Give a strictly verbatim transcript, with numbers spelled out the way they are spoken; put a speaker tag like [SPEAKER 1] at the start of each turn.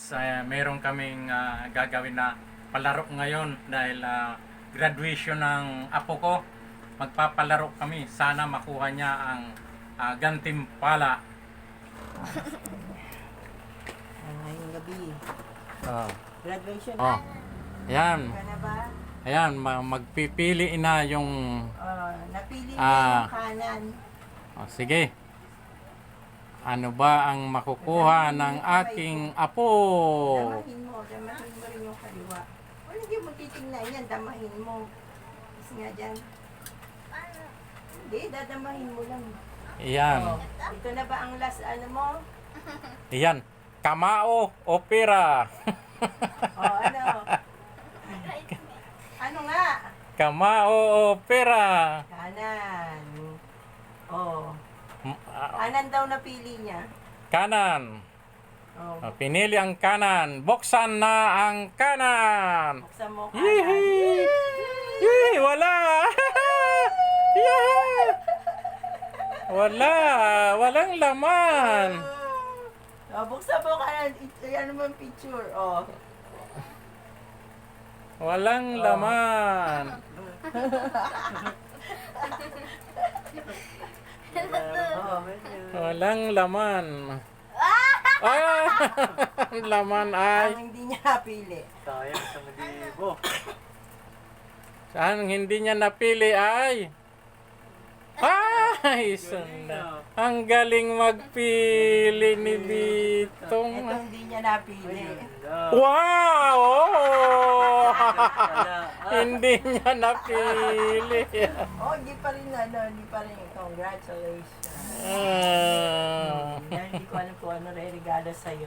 [SPEAKER 1] guys, uh, meron kaming uh, gagawin na palaro ngayon dahil uh, graduation ng apo ko. Magpapalaro kami. Sana makuha niya ang uh, gantimpala.
[SPEAKER 2] Ah, ngayong gabi.
[SPEAKER 1] Oh.
[SPEAKER 2] Graduation
[SPEAKER 1] Oh.
[SPEAKER 2] na.
[SPEAKER 1] Ayan.
[SPEAKER 2] Ka na ba?
[SPEAKER 1] Ayan, ma- magpipili na yung...
[SPEAKER 2] Oh, napili na
[SPEAKER 1] Ah.
[SPEAKER 2] yung kanan.
[SPEAKER 1] Oh, sige. Ano ba ang makukuha ng aking apo?
[SPEAKER 2] Damahin mo. Damahin mo rin yung kaliwa. Wala, hindi mo titingnan yan. Damahin mo. Kasi nga dyan. Hindi, dadamahin mo lang.
[SPEAKER 1] Ayan.
[SPEAKER 2] Oh, ito na ba ang last ano mo?
[SPEAKER 1] Ayan. Kamao opera.
[SPEAKER 2] Oh, ano? Ano nga?
[SPEAKER 1] Kamao opera.
[SPEAKER 2] Kanan. Oh.
[SPEAKER 1] M- ah,
[SPEAKER 2] Kanan daw napili niya.
[SPEAKER 1] Kanan.
[SPEAKER 2] Oh.
[SPEAKER 1] Oh, pinili ang kanan. Buksan na ang kanan.
[SPEAKER 2] Buksan mo kanan.
[SPEAKER 1] Yee! Yee! Wala! Yee! Wala! Walang laman!
[SPEAKER 2] Oh, buksan mo kanan. I- Ano mo ang picture? Oh.
[SPEAKER 1] Walang laman!
[SPEAKER 2] Oh.
[SPEAKER 1] Walang laman! Ah! Ang laman ay...
[SPEAKER 2] Ang hindi niya napili.
[SPEAKER 3] Sayang sa libo.
[SPEAKER 1] Ang hindi niya napili ay... Ay! Sunda. Ang galing magpili ni Bitong.
[SPEAKER 2] Ito hindi niya napili.
[SPEAKER 1] Wow! Oh!
[SPEAKER 3] Wala.
[SPEAKER 1] Hindi niya napili.
[SPEAKER 2] Oh, hindi pa rin ano, hindi pa rin. Congratulations.
[SPEAKER 1] Ah.
[SPEAKER 2] Dahil hindi ko alam kung ano re-regalo sa'yo.